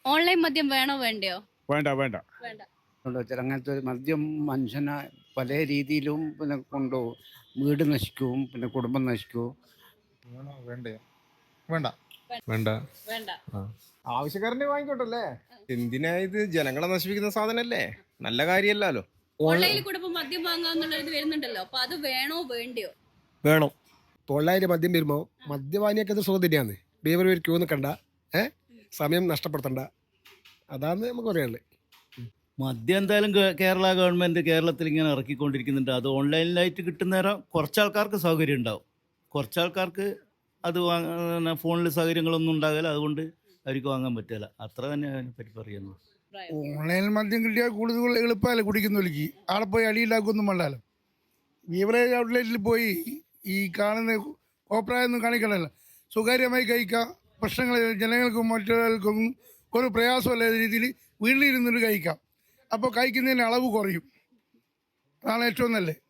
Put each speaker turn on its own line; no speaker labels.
Online മദ്യം വേണോ വേണ്ടയോ?
വേണ്ട വേണ്ട.
വേണ്ട.
അങ്ങനത്തെ ഒരു മദ്യം മനുഷ്യനെ പല രീതിയിലും പിന്നെ കൊണ്ടുപോകും. വീട് നശിക്കും, പിന്നെ കുടുംബം നശിക്കും.
വേണോ വേണ്ടയോ? വേണ്ട
വേണ്ട.
വേണ്ട.
ആവശ്യക്കാരനെ വാങ്ങിക്കോട്ടല്ലേ. എന്തിനാ ഇത്? ജനങ്ങളെ നശിപ്പിക്കുന്ന സാധനല്ലേ, നല്ല കാര്യമല്ലല്ലോ.
ഓൺലൈനിൽ കൂടെ ഇപ്പൊ മദ്യം വാങ്ങാന്നുള്ള ഇത് വരുന്നുണ്ടല്ലോ, അപ്പൊ അത് വേണോ വേണ്ടയോ?
വേണം. ഓൺലൈനിൽ മദ്യം വരുമ്പോൾ മദ്യപാനിയൊക്കെ അത് സുഖം തന്നെയാണ്. ഡ്രൈവർ ഒരു ക്യൂ നിൽക്കണ്ട, സമയം നഷ്ടപ്പെടുത്തണ്ട. അതാണ് നമുക്ക് പറയാനുള്ളത്.
മദ്യം എന്തായാലും കേരള ഗവൺമെൻറ് കേരളത്തിൽ ഇങ്ങനെ ഇറക്കിക്കൊണ്ടിരിക്കുന്നുണ്ട്. അത് ഓൺലൈനിലായിട്ട് കിട്ടുന്നേരം കുറച്ചാൾക്കാർക്ക് സൗകര്യം ഉണ്ടാവും, കുറച്ചാൾക്കാർക്ക് അത് ഫോണിൽ സൗകര്യങ്ങളൊന്നും ഉണ്ടാകില്ല. അതുകൊണ്ട് അവർക്ക് വാങ്ങാൻ പറ്റില്ല. അത്ര തന്നെ അതിനെപ്പറ്റി പറയുന്നു.
ഓൺലൈനിൽ മദ്യം കിട്ടിയാൽ കൂടുതൽ എളുപ്പമല്ലേ കുടിക്കുന്നവർക്ക്. ആടെ പോയി അടിയിലാക്കൊന്നും വേണ്ടാലോ. ബീവറേജ് ഔട്ട്ലെറ്റിൽ പോയി ഈ കാണുന്ന കോപ്രായൊന്നും കാണിക്കണമല്ലോ. സ്വകാര്യമായി കഴിക്കാം. പ്രശ്നങ്ങൾ ജനങ്ങൾക്കും മറ്റൊരാൾക്കും ഒരു പ്രയാസമല്ലാത്ത രീതിയിൽ വീട്ടിലിരുന്നിട്ട് കഴിക്കാം. അപ്പോൾ കഴിക്കുന്നതിന് അളവ് കുറയും. അതാണ് ഏറ്റവും നല്ലത്.